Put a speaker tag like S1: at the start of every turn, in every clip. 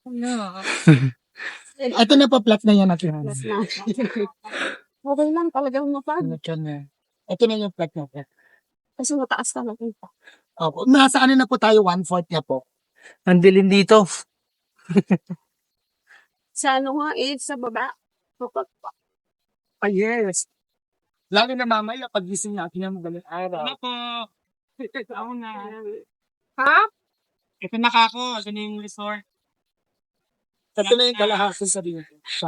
S1: No. Ito na pa flat na yan natin.
S2: Plus na. Okay lang, talagang mapag.
S1: Ito na yung flat na.
S2: Kasi mataas ka nakita.
S1: Opo. Nasa ano na po tayo, 1/4 niya po.
S3: Ang dilim dito.
S2: Sa ano nga, sa baba. Mapagpa.
S1: Ah, yes. Lalo na mamaya, pag gising natin ng magaling araw. Ano po? Ito ako na.
S2: Ha?
S1: Ito na kako. Ito na yung resort. Ito na yung kalahasa sa dito.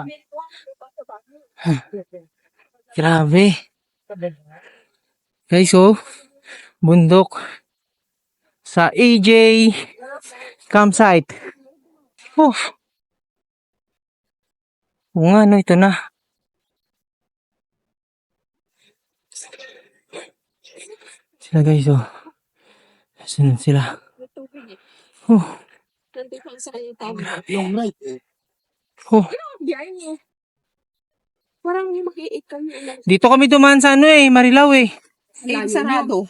S3: Grabe. Guys, oh. Bundok. Sa AJ campsite. Oh. Oo nga, no, ito na. Sila guys, oh. Saan sila?
S2: May tubig eh.
S3: Oh.
S2: Nandito ang sa kanya tama.
S1: Yung right eh.
S3: Oh.
S2: Diyan niya. Parang yung mag-iikal yung
S3: Dito kami dumaan sa ano eh, Marilao eh.
S2: sarado.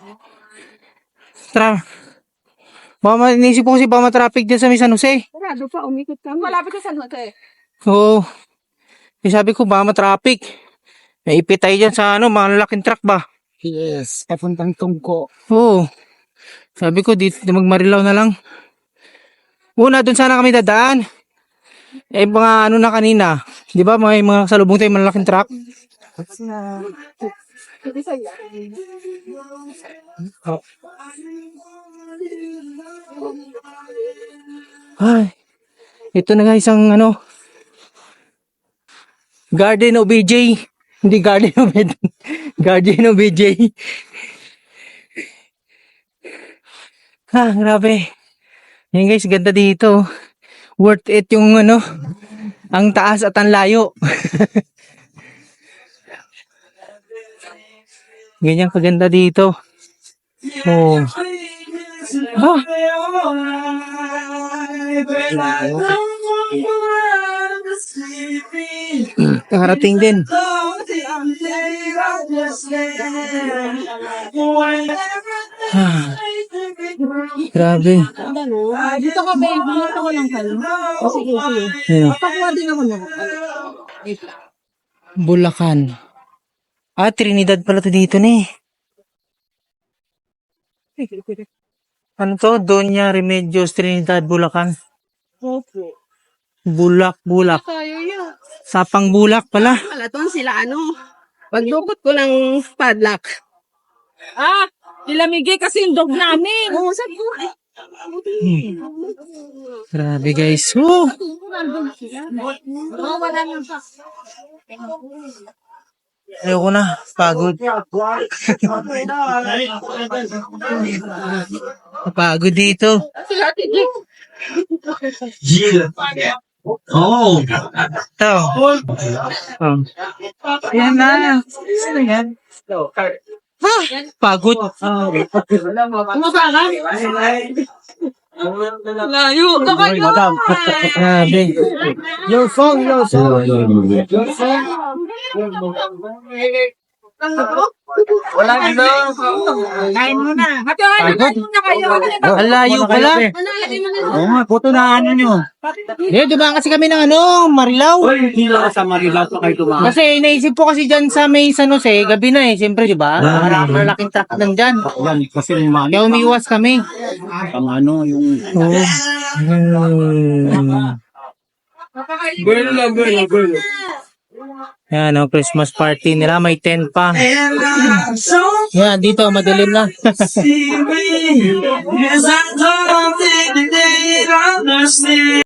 S3: Baka inisip ko kasi baka matraffic dyan sa may San Jose.
S2: Sarado pa, umikot kami. Malapit sa San Jose.
S3: Oo. Eh, sabi ko baka matraffic. May ipit tayo dyan sa ano, mga lalaking truck ba?
S1: Yes. Papuntang Tungko.
S3: Oo. Sabi ko dito mag-Marilao na lang. Una, dun sana kami dadaan. Eh, mga ano na kanina. Di ba, may mga salubong tayo, malalaking truck. Oh. Ay, ito na guys ang ano, Garden of BJ. Hindi Garden of Eden. Garden of BJ. Ah, grabe. Yan guys, ganda dito. Worth it yung ano, ang taas at ang layo. Ganyan kaganda dito. Oh. Ah. Nakarating din. Ah. Grabe.
S2: Dito ka, babe. Dito ko lang kayo. Sige, sige.
S3: Ayun.
S2: Pakuha din ako na.
S3: Bulacan. Ah, Trinidad pala to dito ni. Ano to? Doña Remedios Trinidad, Bulacan.
S2: Opo.
S3: Bulak.
S2: Tayo yun.
S3: Sapang Bulak pala.
S2: Malaton sila ano. Pagdukot ko ng padlock. Ah! Nilamigay kasi yung dog namin. Oo, sabi ko.
S3: Grabe guys. Oh!
S2: Wala nang pa.
S3: Ayoko na. Pagod. Pagod dito.
S4: Oh.
S3: Ito. Oh.
S1: Yan na. Sino yan?
S3: Ha? Pagod.
S1: Kumasa ka?
S2: Layo ka kayo.
S3: Grabe.
S1: Your song. Wala nito. Kain mo na.
S2: Hati-hati na kayo.
S3: Ang layo pala.
S4: Oo nga, puto na ano nyo.
S3: Eh, dumaan kasi kami ng ano, Marilao.
S4: Uy, hindi lang sa Marilao pa kayo tumakas.
S3: Kasi naisip ko kasi dyan sa may San Jose, gabi na eh. Siyempre, di ba? Malaking truck nandyan.
S4: Yan, kasi yung
S3: Kaya umiwas kami.
S4: ang ano, yung...
S3: Oo.
S4: Girl.
S3: Yan, oh, Christmas party nila. May tent pa. Yan, dito, madilim na.
S4: See me, yes, I don't think they understand.